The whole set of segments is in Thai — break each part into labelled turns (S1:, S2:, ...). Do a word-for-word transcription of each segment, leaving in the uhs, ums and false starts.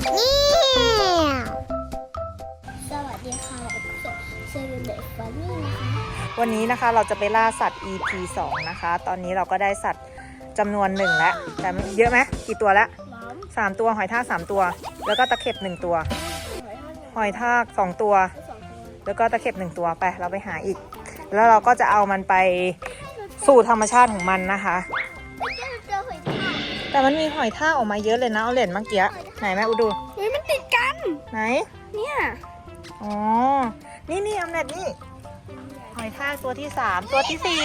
S1: สวัสดีค่ะเซเว่นเดย์ฟันนี่นะคะ
S2: วันนี้นะคะเราจะไปล่าสัตว์ อี พี สองนะคะ ตอนนี้เราก็ได้สัตว์จำนวนหนึ่งแล้วแต่เยอะไหมกี่ตัวแล้วสามตัวหอยทากสามตัวแล้วก็ตะเข็บหนึ่งตัวหอยทากสองตัวแล้วก็ตะเข็บหนึ่งตัวไปเราไปหาอีกแล้วเราก็จะเอามันไปสู่ธรรมชาติของมันนะคะแต่มันมีหอยทากออกมาเยอะเลยนะเอาเหรียญเมื่อกี้ไหนแม่อุดู
S1: เฮ้ยมันติดกัน
S2: ไหน
S1: เนี่ย
S2: อ๋อนี่นี่อำเน็ตนี่หอยทากตัวที่สามตัวที่สี่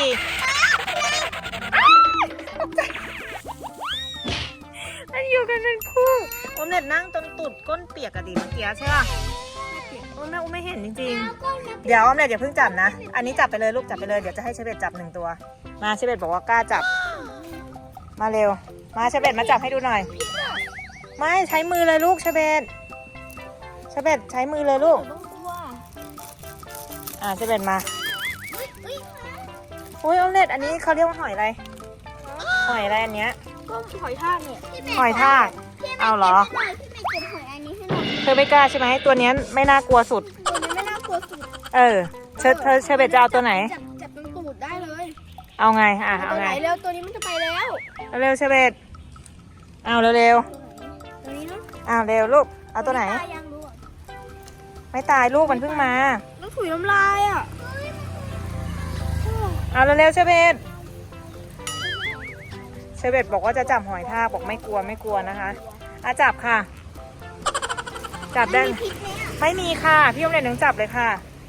S2: มันอยู่กันเป็นคู่อมเน็ตนั่งจนตุดก้นเปียกอะดิเมื่อกี้ใช่ป่ะโอ้แม่อุ้มไม่เห็นจริงๆเดี๋ยวอมเน็ตอย่าเพิ่งจับนะอันนี้จับไปเลยลูกจับไปเลยเดี๋ยวจะให้เชเบตจับหนึ่งตัวมาเชเบตบอกว่ากล้าจับมาเร็วมาเชเบตมาจับให้ดูหน่อยไม่ใช้มือเลยลูกเชเบตเชเบตใช้มือเลยลูกอ่าเชเบตมาอุ้ยอมเน็ตอันนี้เขาเรียกว่าหอยอะไรหอยอะไรอันเนี้ย
S1: ก็หอยทากเนี่ย
S2: หอยทากเอาเหรอ
S1: พี่ไม่เก็บหอยอันนี้ให้หน่อย
S2: เธอไม่กล้าใช่ไหมตัวนี้ไม่น่ากลัวสุด
S1: ตัวนี้ไม่น่ากลัวสุด
S2: เออเธอเธอเชเบตจะเอาตัวไหน
S1: จับจับตรงตูดได้เลย
S2: เอาไงอ่ะเอาไง
S1: เร็วตัวนี้มันจะไปแล้ว
S2: เร็วเชเบตเอาเร็วเร็ว
S1: ตัวนี้เนาะ
S2: เอาเร็วลูกเอาตัวไหนไม่ตายลูกมันเพิ่งมา
S1: ต้องถุยน้ำลายอ่ะ
S2: เอาเร็วเร็วเชเบตเชเบตบอกว่าจะจับหอยทากบอกไม่กลัวไม่กลัวนะคะอาจับค่ะจับได้ไม่มีค่ะพี่อมเล็ตถึงจับเลยค่ะ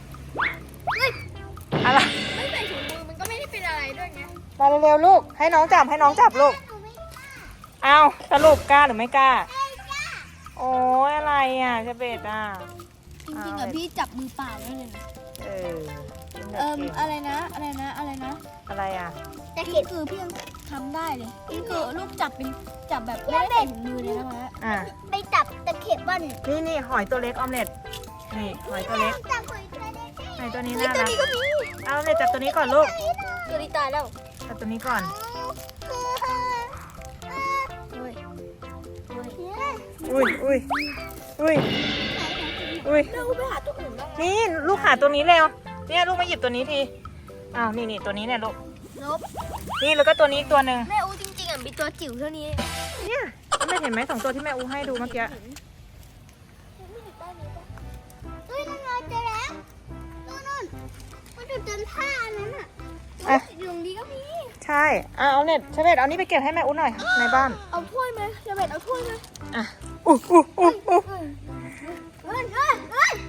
S2: อะไร
S1: ไม่ใส่ถุงมือมันก็ไม่ได้เป็นอะไรด้วยไง
S2: มาเร็วๆลูกให้น้องจับให้น้องจับลูกเอาสรุปกล้าหรือไม่กล้าโอ้ยอะไรอ่ะเชเบตอ่ะ
S1: จริงๆอ่ะพี่จับมือเปล่าได้เลย
S2: เออ
S1: เอ่ออะไรนะอะไรนะอะไรนะ
S2: อะไรอ่ะ
S1: แต่เข็ดคือพี่ยังทำได้เลยนี่คือลูกจับเป็นจับแบบไม่ได้ใส่ถุงมือเลยนะคะ
S2: อ่ะ
S1: ไปจับตะเข็บบ้าน
S2: นี่นี่หอยตัวเล็กออมเล็ตนี่หอยตัวเล็ก
S1: จับหอยตัวเล็ก
S2: หอยตัวนี้น่ารักเอาเลยจับตัวนี้ก่อนลูก
S1: ตัวนี้ตายแล้ว
S2: จับตัวนี้ก่อนอุ้ยอุ้ยอุ้ยอุ้ย
S1: ลูกไปหาตัวอื่นบ้าง
S2: นี่ลูกหาตัวนี้เร็วเนี่ยลูกมาหยิบตัวนี้ทีอ้าวนี่นี่ตัวนี้เนี่ยลูกนี่แล้วก็ตัวนี้อีกตัวหนึ่ง
S1: แม่อูจริงๆอ่ะมีตัวจิ๋วเท่านี้
S2: เนี่ยแม่เห็นไหมสองตัวที่แม่อูให้ดูเมื่อกี้
S1: เฮ้ยนั่นไงเจอแล้วนู่นนู่นมันอยู่จนผ้านั้นอ่ะ
S2: อ่ะ
S1: อยู่ตรงนี้ก็มี
S2: ใช่อ่ะเอาเน็ตเชเบตเอานี้ไปเก็บให้แม่อูหน่อยในบ้าน
S1: เอาถ้วยไหมเชเบตเอาถ้วยไหม
S2: อ่ะอู้อู้อู้อู้
S1: เฮ้ยเฮ้ยเฮ้ย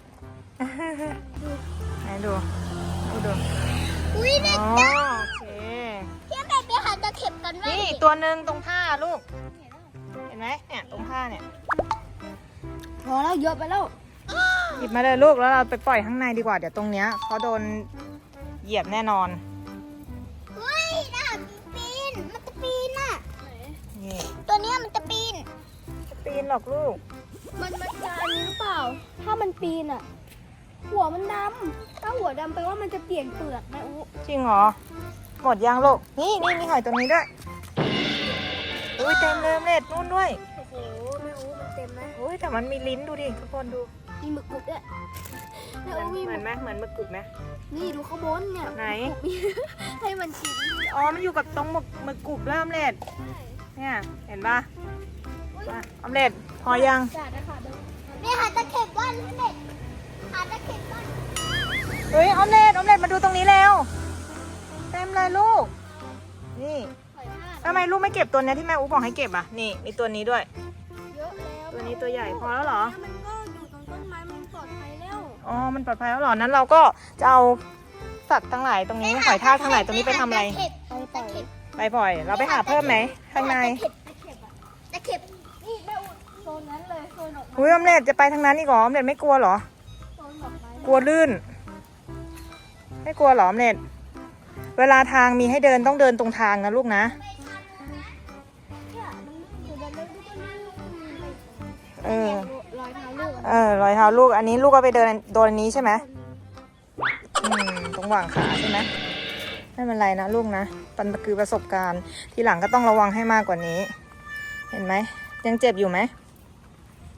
S2: ไหนดูดูดู
S1: อุ้ยเด็ก
S2: จ้าโอเค
S1: พี่แม่ไปหาตะเข็บกันไหม
S2: นี่ตัวหนึ่งตรงผ้าลูกเห็นไหมเนี่ยตรงผ้าเนี่ย
S1: พอแล้วเยอะไปแล้ว
S2: หยิบมาเลยลูกแล้วเราไปปล่อยข้างในดีกว่าเดี๋ยวตรงเนี้ยเขาโดนเหยียบแน่นอน
S1: เฮ้ยน่าปีนมันจะปีนอ่ะ
S2: นี่
S1: ตัวนี้มันจะปีน
S2: จะปีนหรอกลูก
S1: มันมันจะอันนี้หรือเปล่าถ้ามันปีนอ่ะหัวมันดำถ้าหัวดำแปลว่ามันจะเปลี่ยนเปลือกนะอุ๊
S2: จริงเหรอหมดยังลูกนี่นี่มีหอยตรงนี้ด้วยอุ้ยเต็มเลยเล็ดนู่นด้วย
S1: โอ้โหแม่อุ๊มันเต็มไหม
S2: อุ้ยแต่มันมีลิ้นดูดิทุกคนดู
S1: มีหมึกกรุบด้วย
S2: แม่อุ๊เหมือนไหมเหมือนหมึกกรุบไหม
S1: นี่ดูข้างบนเนี่ย
S2: ไหน
S1: ให้มันกิน
S2: อ๋อมันอยู่กับตรงหมึกหมึกกรุบแล้วอมเล็ดเนี่ยเห็นปะอมเล็ดพอยัง
S1: นี่หาตะเข็บบ้านพี่เด็กหาตะเข็บบ้าน
S2: เฮ้ยออมเล็ตออมเล็ตมาดูตรงนี้แล้วเต็มเลยลูกนี่ทำไมลูกไม่เก็บตัวนี้ที่แม่อุ๊บอกให้เก็บอ่ะนี่มีตัวนี้ด้วย
S1: เยอะแล้ว
S2: ตัวนี้ตัวใหญ่พอแล้วเหรอ
S1: มันก็อยู่ตรงต้นไม้มันปลอดภัยแล้ว
S2: อ๋อมันปลอดภัยแล้วเหรอนั้นเราก็จะเอาสัตว์ทั้งหลายตรงนี้หอยทากทั้งหลายตรงนี้ไปทำอะไรไปปล่อยเราไปหาเพิ่มไหมข้างใน
S1: ตะเข็บนี่แม่อุ๊โซนนั้นเลยโซนออกมา
S2: อุ้ยออมเล็ตจะไปทางนั้นอีกเหรอออมเล็ตไม่กลัวเหรอกลัวลื่นไม่กลัวหรออมเล็ตเวลาทางมีให้เดินต้องเดินตรงทางนะลูกนะเออรอยเท้าลูกเออรอยเท้าลูกอันนี้ลูกก็ไปเดินโดนนี้ใช่ไหมอืมตรงหว่างขาใช่ไหมไม่เป็นไรนะลูกนะมันคือประสบการณ์ทีหลังก็ต้องระวังให้มากกว่านี้เห็นไหมยังเจ็บอยู่ไหม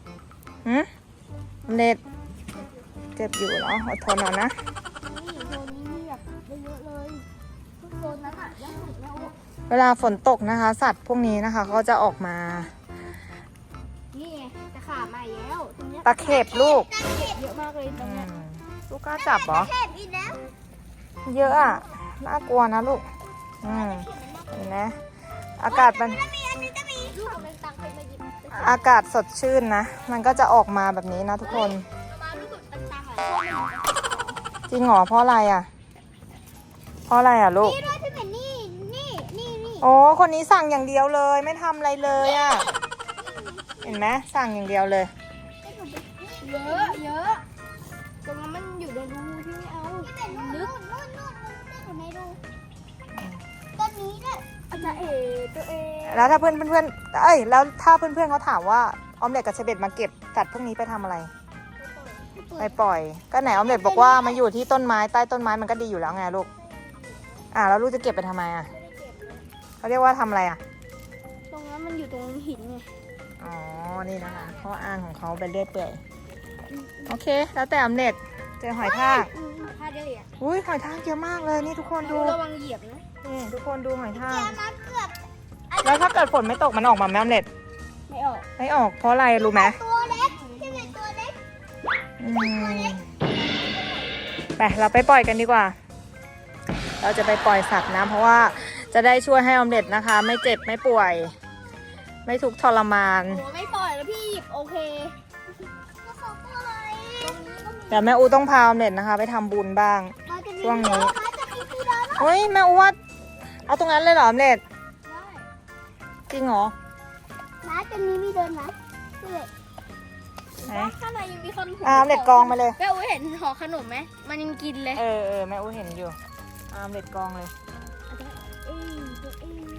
S2: หืมออมเล็ตเจ็บอยู่เหรออดทนหน่อยนะ
S1: นี่โซนนี้มีแบบเยอะๆเลยทุกโซนนั้นอ่ะเยอะสุดแล้ว
S2: เวลาฝนตกนะคะ สัตว์พวกนี้นะคะเขาจะออกมา
S1: นี่ไงตะขาบมาแล้วตรงเนี้ย
S2: ตะเข็บลูก
S1: เยอะมากเลยตร
S2: อื
S1: งเนี้ย
S2: มลูกกล้าจับเหรอ
S1: เข็บอีกแล้ว
S2: เยอะอ่ะ น่ากลัวนะลูก อืมเห็นไหมอากาศมัน
S1: มีอันนี้จะมีลูกเป็นตังไปมาหยิบ
S2: อากาศสดชื่นนะ มันก็จะออกมาแบบนี้นะทุกคน
S1: มาลูกเป็นตังอ่ะ
S2: จริงเหรอเพราะอะไรอ่ะ เพราะอะไรอ่ะลูก
S1: นี่ด้วยพี่เป็นนี่นี่นี่นี่
S2: โอ้คนนี้สั่งอย่างเดียวเลย ไม่ทำอะไรเลยอ่ะ เห็นไหมสั่งอย่างเดียวเลย
S1: เยอะเยอะตรงนั้นมันอยู่ในรูที่ไม่เอาพี่เป็นนู่นนู่นนู่นนู่นอยู่ในรูต้นนี้เนี่ยอาจารย์เอ๋ตัวเอง
S2: แล้วถ้าเพื่อนเพื่อนๆเอ้ยแล้วถ้าเพื่อนเพื่อนๆเขาถามว่าออมเล็ตกับเชเบตมาเก็บสัตว์พวกนี้ไปทำอะไร ไปปล่อย ก็ไหนออมเล็ตบอกว่ามาอยู่ที่ต้นไม้ใต้ต้นไม้มันก็ดีอยู่แล้วไงลูก อ่าแล้วลูกจะเก็บไปทำไมอ่ะเขาเรียกว่าทำอะไรอ่ะ
S1: ตรงนั้นมันอยู่ตรงหินไง
S2: อ๋อ นี่นะคะข้ออ้างของเขาไปเรื่อยเปื่อยโอเค แล้วแต่ออมเล็ตเจอหอยทาก
S1: พาเดีย
S2: อุ้ยหอยทากเยอะมากเลยนี่ทุกคนดู
S1: ระวังเหยียบนะ
S2: นี่ทุกคนดูหอยทาก
S1: มาเกือบ
S2: แล้วถ้าเกิดฝนไม่ตกมันออกมาไหมออมเล็ต
S1: ไม่ออก
S2: ไม่ออกเพราะอะไรรู้ไหม
S1: ตัวเล็กที่เป็นตัวเล็ก
S2: อืมไปเราไปปล่อยกันดีกว่า เราจะไปปล่อยสัตว์นะเพราะว่าจะได้ช่วยให้ออมเล็ตนะคะ ไม่เจ็บไม่ป่วย ไม่ทุกข์ทรมาน
S1: โอ้ไม่ปล่อยแล้วพี่หยิบโอเคก็เขาปล่อยตรงนี้ก็มี
S2: เดี๋ยวแม่อูต้องพาออมเล็ตนะคะ ไปทำบุญบ้าง ช่วงนี้
S1: จะมีที่เดิน
S2: เฮ้ยแม่อูว่าเอาตรงนั้นเลยเหรอออมเล็ต
S1: ได้
S2: จริงเหรอ
S1: ร้านจะมีมีเดินไหมนี่เลย
S2: ไหน
S1: ข้างในยังมีคน
S2: อ่าออมเล็ตกองมาเลย
S1: แม่อุ้ยเห็นห่อขนมไหมมันยังกินเลย
S2: เออเออแม่อูเห็นอยู่อ่าออมเล็ตกองเลย
S1: เอ้ยตัวเอง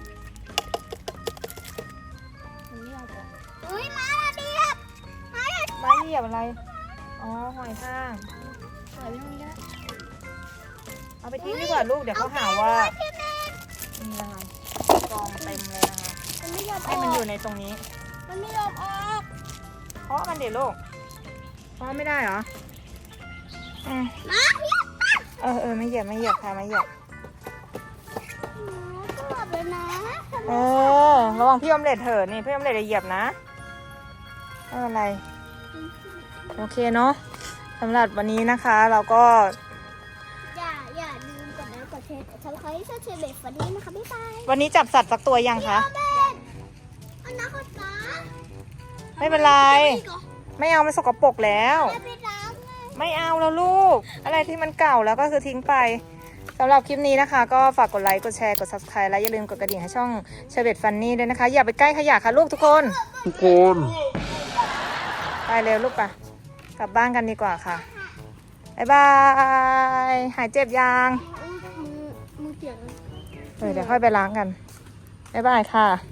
S1: มันไม่เอาจ้ะอุ้ยมาละเดียบมาละ
S2: ไม้เหยียบอะไรอ๋อหอยทาก
S1: ปล่อยไปตรงนี้ก็ได้
S2: เอาไปทิ้งดีกว่าลูกเดี๋ยวเขาหาว่า
S1: พี่แม่
S2: นี่นะคะกองเต็มเลยนะคะ
S1: มันไม่ยอมอ
S2: ให้
S1: อก
S2: มันอยู่ในตรงนี้
S1: มันไม่ยอมออก
S2: เพราะมันเด็ดลูกเพราะไม่ได้เหรออืม
S1: มาเพียบ
S2: เออเออไม่เหยียบไม่เหยียบค่ะไม่เหยียบ
S1: ก็หลับเลยนะ
S2: เออระวังพี่ออมเล็ตเถอะนี่พี่ออมเล็ตจะเหยียบนะไม่เป็นไรโอเคเนาะสำหรับวันนี้นะคะเราก็
S1: อย่าอย่าลืมกดไลค์กดแชร์กดซับสไครต์ช่วยเชียร์เบสวันนี้นะคะบ๊ายบาย
S2: วันนี้จับสัตว์สักตัวยังคะ
S1: เบสอันนั้นเขาตา
S2: ไม่เป็นไรไม่เอามันสกปรกแล้ว
S1: ไม่ไปล้างไง
S2: ไม่เอาแล้วลูก อะไรที่มันเก่าแล้วก็คือทิ้งไปสำหรับคลิปนี้นะคะ ก็ฝากกดไลค์กดแชร์กด ซับสไครบ์ และอย่าลืมกดกระดิ่งให้ช่องเชเบตฟันนี่ด้วยนะคะ อย่าไปใกล้ขยะค่ะลูกทุกคน
S3: ทุกคน
S2: ไปเร็วลูกปะกลับบ้านกันดีกว่าค่ะบ๊ายบาย หายเจ็บยัง
S1: มือมือเปียกเลย
S2: เออเดี๋ยวค่อยไปล้างกันบ๊ายบายค่ะ